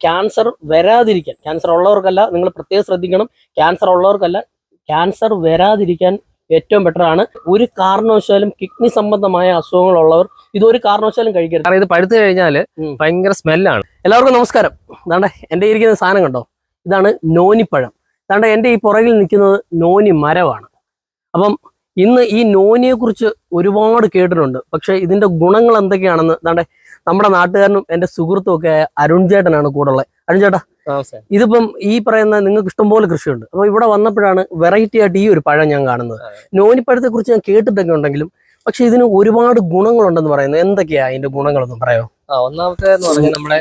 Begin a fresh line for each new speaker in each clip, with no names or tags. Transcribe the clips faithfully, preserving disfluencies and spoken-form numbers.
Cancer വരാതിരിക്കാൻ, cancer ഉള്ളവർക്കല്ല, നിങ്ങൾ പ്രത്യേകം ശ്രദ്ധിക്കണം, ക്യാൻസർ ഉള്ളവർക്കല്ല, ക്യാൻസർ വരാതിരിക്കാൻ ഏറ്റവും ബെറ്റർ ആണ്. ഒരു കാരണവശാലും കിഡ്നി സംബന്ധമായ അസുഖങ്ങളുള്ളവർ ഇതൊരു കാരണവശാലും കഴിക്കരുത്.
കാരണം ഇത് പഴുത്തു കഴിഞ്ഞാൽ ഭയങ്കര സ്മെല്ലാണ്.
എല്ലാവർക്കും നമസ്കാരം. ഇതാണ്ട് എൻ്റെ ഇരിക്കുന്ന സാധനം കണ്ടോ, ഇതാണ് നോനിപ്പഴം. ഇതാണ്ട് എൻ്റെ ഈ പുറകിൽ നിൽക്കുന്നത് നോനി മരമാണ്. അപ്പം ഇന്ന് ഈ നോനിയെ കുറിച്ച് ഒരുപാട് കേട്ടിട്ടുണ്ട്, പക്ഷെ ഇതിന്റെ ഗുണങ്ങൾ എന്തൊക്കെയാണെന്ന് ഇതാണ്ട് നമ്മുടെ നാട്ടുകാരനും എൻ്റെ സുഹൃത്തും ഒക്കെ അരുൺ ചേട്ടനാണ് കൂടെ ഉള്ളത്. അരുൺ ചേട്ടാ, ഇതിപ്പം ഈ പറയുന്ന നിങ്ങൾക്ക് ഇഷ്ടംപോലെ കൃഷിയുണ്ട്, അപ്പൊ ഇവിടെ വന്നപ്പോഴാണ് വെറൈറ്റി ആയിട്ട് ഈ ഒരു പഴം ഞാൻ കാണുന്നത്. നോനിപ്പഴത്തെ കുറിച്ച് ഞാൻ കേട്ടിട്ടൊക്കെ ഉണ്ടെങ്കിലും പക്ഷെ ഇതിന് ഒരുപാട് ഗുണങ്ങളുണ്ടെന്ന് പറയുന്നത്. എന്തൊക്കെയാ അതിന്റെ ഗുണങ്ങളൊന്നും പറയാമോ?
ആ ഒന്നാമത്തെ എന്ന് പറഞ്ഞാൽ നമ്മുടെ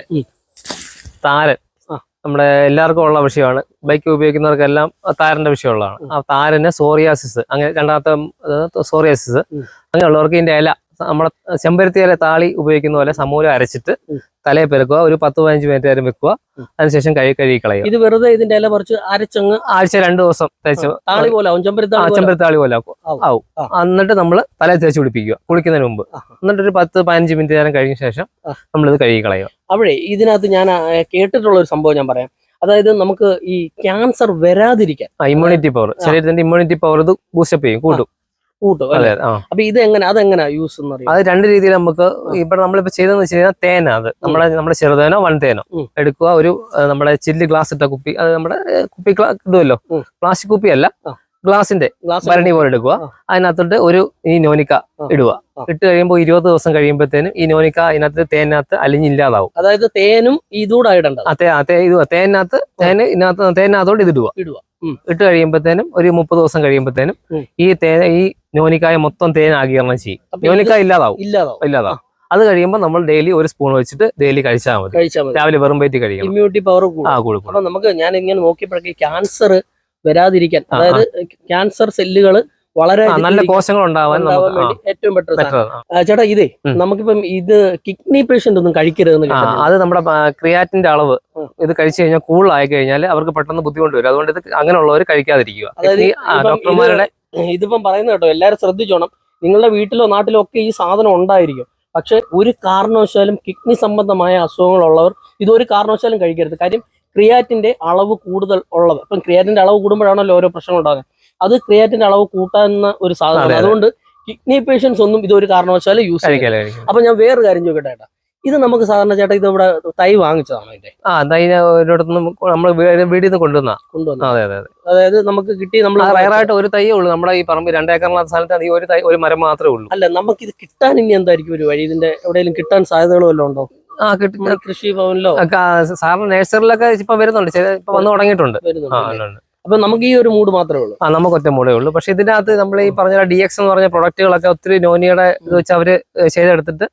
താരൻ നമ്മുടെ എല്ലാവർക്കും ഉള്ള വിഷയമാണ്. ബൈക്ക് ഉപയോഗിക്കുന്നവർക്കെല്ലാം താരന്റെ വിഷയമുള്ളതാണ്. ആ താരന് സോറിയാസിസ്, അങ്ങനെ രണ്ടാമത്തെ സോറിയാസിസ് അങ്ങനെയുള്ളവർക്ക് ഇതിന്റെ ഇല നമ്മുടെ ചെമ്പരത്തി ഇല താളി ഉപയോഗിക്കുന്ന പോലെ സമൂലം അരച്ചിട്ട് തലയെ പെരുക്കുക, ഒരു പത്ത് പതിനഞ്ച് മിനിറ്റ് നേരം വെക്കുക, അതിനുശേഷം കഴുകി കഴുകി കളയുക.
ഇത് വെറുതെ ഇതിന്റെ ഇല പറിച്ച് അരച്ചങ്ങ്
ആഴ്ച രണ്ടു ദിവസം തേച്ച്
താളി പോലെ
ചെമ്പരത്താളി പോലെ ആവും. എന്നിട്ട് നമ്മൾ തലയെ തേച്ച് പിടിപ്പിക്കുക കുളിക്കുന്നതിന് മുമ്പ്. എന്നിട്ട് ഒരു പത്ത് പതിനഞ്ച് മിനിറ്റ് നേരം കഴിഞ്ഞ ശേഷം നമ്മളിത് കഴുകി കളയുക.
അവിടെ ഇതിനകത്ത് ഞാൻ കേട്ടിട്ടുള്ള ഒരു സംഭവം ഞാൻ പറയാം. അതായത് നമുക്ക് ഈ ക്യാൻസർ വരാതിരിക്കാൻ
ഇമ്മ്യൂണിറ്റി പവർ, ശരീരത്തിന്റെ ഇമ്മ്യൂണിറ്റി പവർ ഇത് ബൂസ്റ്റപ്പ് ചെയ്യും, കൂട്ടും
കൂട്ടും അതെ. അപ്പൊ ഇത് എങ്ങനെ അതെങ്ങനെ യൂസ് എന്ന് പറയും?
അത് രണ്ട് രീതിയിൽ നമുക്ക് ഇവിടെ നമ്മളിപ്പോ ചെയ്തെന്ന് വെച്ച് കഴിഞ്ഞാൽ തേന, അത് നമ്മുടെ നമ്മുടെ ചെറുതേനോ വൺതേനോ എടുക്കുക. ഒരു നമ്മുടെ ചില്ല് ഗ്ലാസ് ഇട്ട കുപ്പി, അത് നമ്മുടെ കുപ്പി ഇടുമല്ലോ, പ്ലാസ്റ്റിക് കുപ്പി അല്ല, ഗ്ലാസിന്റെ ഭരണി പോലെ എടുക്കുക. അതിനകത്തോട്ട് ഒരു ഈ നോനിക്ക ഇടുക. ഇട്ട് കഴിയുമ്പോൾ ഇരുപത് ദിവസം കഴിയുമ്പോഴത്തേനും ഈ നോനിക്ക അതിനകത്ത് തേനകത്ത് അലിഞ്ഞില്ലാതാവും.
അതായത് തേനും ഇതൂടെ ഇടണ്ട,
ഇത് തേനകത്ത് തേന് ഇതിനകത്ത് തേനകത്തോട്ട് ഇത് ഇടുക. ഇടുക ഇട്ട് കഴിയുമ്പോഴത്തേനും ഒരു മുപ്പത് ദിവസം കഴിയുമ്പോഴത്തേനും ഈ തേന ഈ നോനിക്കായ മൊത്തം തേൻ ആഗീരണം ചെയ്യും. നോനിക്ക ഇല്ലാതാവും ഇല്ലാതാവും അത് കഴിയുമ്പോൾ നമ്മൾ ഡെയിലി ഒരു സ്പൂൺ വെച്ചിട്ട് ഡെയിലി കഴിച്ചാൽ മതി. രാവിലെ വെറും വയറ്റിൽ കഴിക്കണം.
ഇമ്മ്യൂണിറ്റി പവർ കൂടും. അപ്പൊ നമുക്ക് ഞാൻ ഇങ്ങനെ നോക്കിയപ്പോഴേക്ക് ക്യാൻസർ വരാതിരിക്കാൻ, അതായത് ക്യാൻസർ സെല്ലുകൾ വളരെ
നല്ല കോശങ്ങൾ ഉണ്ടാവാൻ
വേണ്ടി ഏറ്റവും ബെറ്റർ. ചേട്ടാ, ഇതേ നമുക്കിപ്പം ഇത് കിഡ്നി പേഷ്യന്റ് ഒന്നും കഴിക്കരുതെന്ന്,
അത് നമ്മുടെ ക്രിയാറ്റിന്റെ അളവ് ഇത് കഴിച്ചു കഴിഞ്ഞാൽ കൂടുതലായി കഴിഞ്ഞാൽ അവർക്ക് പെട്ടെന്ന് ബുദ്ധിമുട്ട് വരും. അതുകൊണ്ട് ഇത് അങ്ങനെയുള്ളവർ കഴിക്കാതിരിക്കുക.
അതായത് ഡോക്ടർമാരുടെ ഇതിപ്പം പറയുന്നത് കേട്ടോ, എല്ലാവരും ശ്രദ്ധിച്ചോണം. നിങ്ങളുടെ വീട്ടിലോ നാട്ടിലോ ഒക്കെ ഈ സാധനം ഉണ്ടായിരിക്കും, പക്ഷെ ഒരു കാരണവശാലും കിഡ്നി സംബന്ധമായ അസുഖങ്ങളുള്ളവർ ഇതൊരു കാരണവശാലും കഴിക്കരുത്. കാര്യം ക്രിയാറ്റിന്റെ അളവ് കൂടുതൽ ഉള്ളത്, ഇപ്പം ക്രിയാറ്റിന്റെ അളവ് കൂടുമ്പോഴാണല്ലോ ഓരോ പ്രശ്നം ഉണ്ടാകുന്നത്. അത് ക്രിയാറ്റിന്റെ അളവ് കൂട്ടാവുന്ന ഒരു സാധനമാണ്. അതുകൊണ്ട് കിഡ്നി പേഷ്യൻസ് ഒന്നും ഇതൊരു കാരണവശാലും യൂസ് ചെയ്യില്ല. അപ്പൊ ഞാൻ വേറൊരു കാര്യം ചോദിക്കട്ടെ ചേട്ടാ, ഇത് നമുക്ക് സാധാരണ ചേട്ടാ ഇത് ഇവിടെ തൈ വാങ്ങിച്ചതാണോ? ഇതിന്റെ
ആ തൈ ഒരിടത്തുനിന്ന് നമ്മൾ വീട്ടിൽ നിന്ന് കൊണ്ടുവന്ന
കൊണ്ടുവന്ന അതെ അതെ അതായത് നമുക്ക് കിട്ടി. നമ്മൾ
റയറായിട്ട് ഒരു തൈയേ ഉള്ളൂ നമ്മുടെ ഈ പറമ്പ്, രണ്ടേക്കറിനുള്ള സ്ഥലത്ത് ഈ ഒരു തൈ ഒരു മരം മാത്രമേ ഉള്ളൂ.
അല്ല, നമുക്ക് ഇത് കിട്ടാൻ ഇനി എന്തായിരിക്കും ഒരു വഴി? ഇതിന്റെ എവിടെയെങ്കിലും കിട്ടാൻ സാധ്യതകൾ വല്ലതും ഉണ്ടോ?
ആ കിട്ടും,
കൃഷി ഭവനിലോ
സാറിന് നഴ്സറിലൊക്കെ ഇപ്പൊ വരുന്നുണ്ട്, ഇപ്പൊ വന്ന് തുടങ്ങിയിട്ടുണ്ട്.
അപ്പൊ നമുക്ക് ഈ ഒരു മൂഡ് മാത്രമേ ഉള്ളൂ.
ആ നമുക്ക് ഒറ്റ മൂടേ ഉള്ളൂ. പക്ഷെ ഇതിന്റെ അകത്ത് നമ്മൾ ഈ പറഞ്ഞ ഡി എക്സ് എന്ന് പറഞ്ഞ പ്രൊഡക്റ്റുകളൊക്കെ ഒത്തിരി നോനിയുടെ ഇത് വെച്ച് അവര് ചെയ്തെടുത്തിട്ട്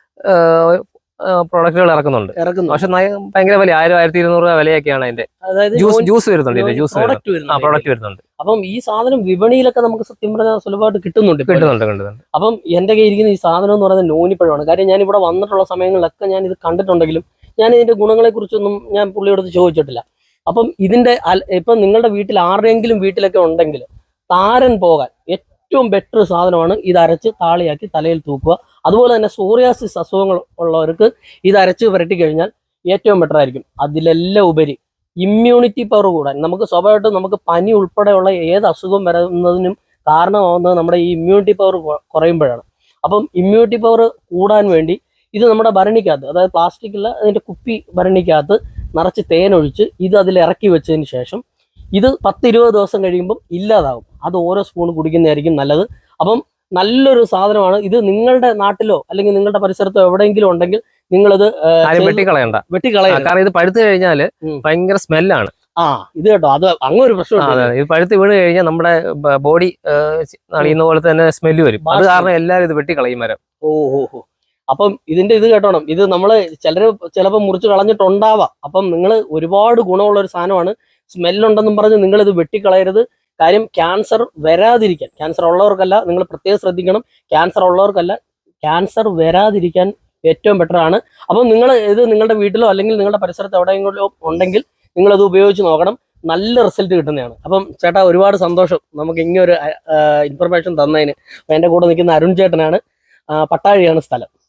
പ്രൊഡക്റ്റുകൾ ഇറക്കുന്നുണ്ട്. പക്ഷെ ഭയങ്കര വില, ആയിരം ആയിരത്തി ഇരുന്നൂറ് രൂപ വിലയൊക്കെയാണ് അതിന്റെ. ജ്യൂസ് ജ്യൂസ് വരുന്നുണ്ട്, ജ്യൂസ് പ്രൊഡക്റ്റ് വരുന്നുണ്ട്.
അപ്പം ഈ സാധനം വിപണിയിലൊക്കെ നമുക്ക് സത്യം പറഞ്ഞാൽ സുലഭമായിട്ട് കിട്ടുന്നുണ്ട്
കിട്ടുന്നുണ്ട് കിട്ടുന്നുണ്ട്
അപ്പം എന്റെ കയ്യിൽ ഇരിക്കുന്ന ഈ സാധനം എന്ന് പറയുന്നത് നോനിപ്പഴമാണ്. കാര്യം ഞാൻ ഇവിടെ വന്നിട്ടുള്ള സമയങ്ങളിലൊക്കെ ഞാൻ ഇത് കണ്ടിട്ടുണ്ടെങ്കിലും ഞാൻ ഇതിന്റെ ഗുണങ്ങളെ കുറിച്ചൊന്നും ഞാൻ പുള്ളിയോട് ചോദിച്ചിട്ടില്ല. അപ്പം ഇതിന്റെ ഇപ്പം നിങ്ങളുടെ വീട്ടിൽ ആരുടെയെങ്കിലും വീട്ടിലൊക്കെ ഉണ്ടെങ്കിൽ താരൻ പോകാൻ ഏറ്റവും ബെറ്റർ സാധനമാണ് ഇത് അരച്ച് താളിയാക്കി തലയിൽ തൂക്കുക. അതുപോലെ തന്നെ സോറിയാസിസ് അസുഖങ്ങൾ ഉള്ളവർക്ക് ഇത് അരച്ച് പുരട്ടി കഴിഞ്ഞാൽ ഏറ്റവും ബെറ്റർ ആയിരിക്കും. അതിലെല്ലാം ഉപരി ഇമ്മ്യൂണിറ്റി പവർ കൂടാൻ, നമുക്ക് സ്വാഭാവികമായിട്ടും നമുക്ക് പനി ഉൾപ്പെടെയുള്ള ഏത് അസുഖം വരുന്നതിനും കാരണമാവുന്നത് നമ്മുടെ ഈ ഇമ്മ്യൂണിറ്റി പവർ കുറയുമ്പോഴാണ്. അപ്പം ഇമ്മ്യൂണിറ്റി പവർ കൂടാൻ വേണ്ടി ഇത് നമ്മുടെ ഭരണിക്കകത്ത്, അതായത് പ്ലാസ്റ്റിക്കുള്ള അതിൻ്റെ കുപ്പി ഭരണിക്കകത്ത് നിറച്ച് തേനൊഴിച്ച് ഇത് അതിൽ ഇറക്കി വെച്ചതിന് ശേഷം ഇത് പത്ത് ഇരുപത് ദിവസം കഴിയുമ്പം ഇല്ലാതാകും. അത് ഓരോ സ്പൂൺ കുടിക്കുന്നതായിരിക്കും നല്ലത്. അപ്പം നല്ലൊരു സാധനമാണ് ഇത്. നിങ്ങളുടെ നാട്ടിലോ അല്ലെങ്കിൽ നിങ്ങളുടെ പരിസരത്തോ എവിടെയെങ്കിലും ഉണ്ടെങ്കിൽ നിങ്ങളിത്
വെട്ടിക്കളയണ്ട
വെട്ടിക്കളയണ്ട
കാരണം ഇത് പഴുത്തു കഴിഞ്ഞാൽ ഭയങ്കര സ്മെല്ലാണ്.
ആ ഇത് കേട്ടോ, അത് അങ്ങനെ ഒരു പ്രശ്നമാണ്.
ഇത് പഴുത്ത് വീണ് കഴിഞ്ഞാൽ നമ്മുടെ ബോഡി നളിയുന്ന പോലെ തന്നെ സ്മെല്ല് വരും. അത് കാരണം എല്ലാവരും ഇത് വെട്ടിക്കളയും മരം.
ഓ ഓ ഓ അപ്പം ഇതിന്റെ ഇത് കേട്ടോണം, ഇത് നമ്മള് ചിലര് ചിലപ്പോൾ മുറിച്ച് കളഞ്ഞിട്ടുണ്ടാവാം. അപ്പം നിങ്ങൾ ഒരുപാട് ഗുണമുള്ള ഒരു സാധനമാണ്. സ്മെല്ലുണ്ടെന്നും പറഞ്ഞ് നിങ്ങൾ ഇത് വെട്ടിക്കളയരുത്. കാര്യം ക്യാൻസർ വരാതിരിക്കാൻ, ക്യാൻസർ ഉള്ളവർക്കല്ല, നിങ്ങൾ പ്രത്യേകം ശ്രദ്ധിക്കണം, ക്യാൻസർ ഉള്ളവർക്കല്ല, ക്യാൻസർ വരാതിരിക്കാൻ ഏറ്റവും ബെറ്റർ ആണ്. അപ്പം നിങ്ങൾ ഇത് നിങ്ങളുടെ വീട്ടിലോ അല്ലെങ്കിൽ നിങ്ങളുടെ പരിസരത്ത് എവിടെയെങ്കിലും ഉണ്ടെങ്കിൽ നിങ്ങളത് ഉപയോഗിച്ച് നോക്കണം. നല്ല റിസൾട്ട് കിട്ടുന്നതാണ്. അപ്പം ചേട്ടാ ഒരുപാട് സന്തോഷം നമുക്ക് ഇങ്ങനൊരു ഇൻഫർമേഷൻ തന്നതിന്. അപ്പം എൻ്റെ കൂടെ നിൽക്കുന്ന അരുൺ ചേട്ടനാണ്, പട്ടാഴിയാണ് സ്ഥലം.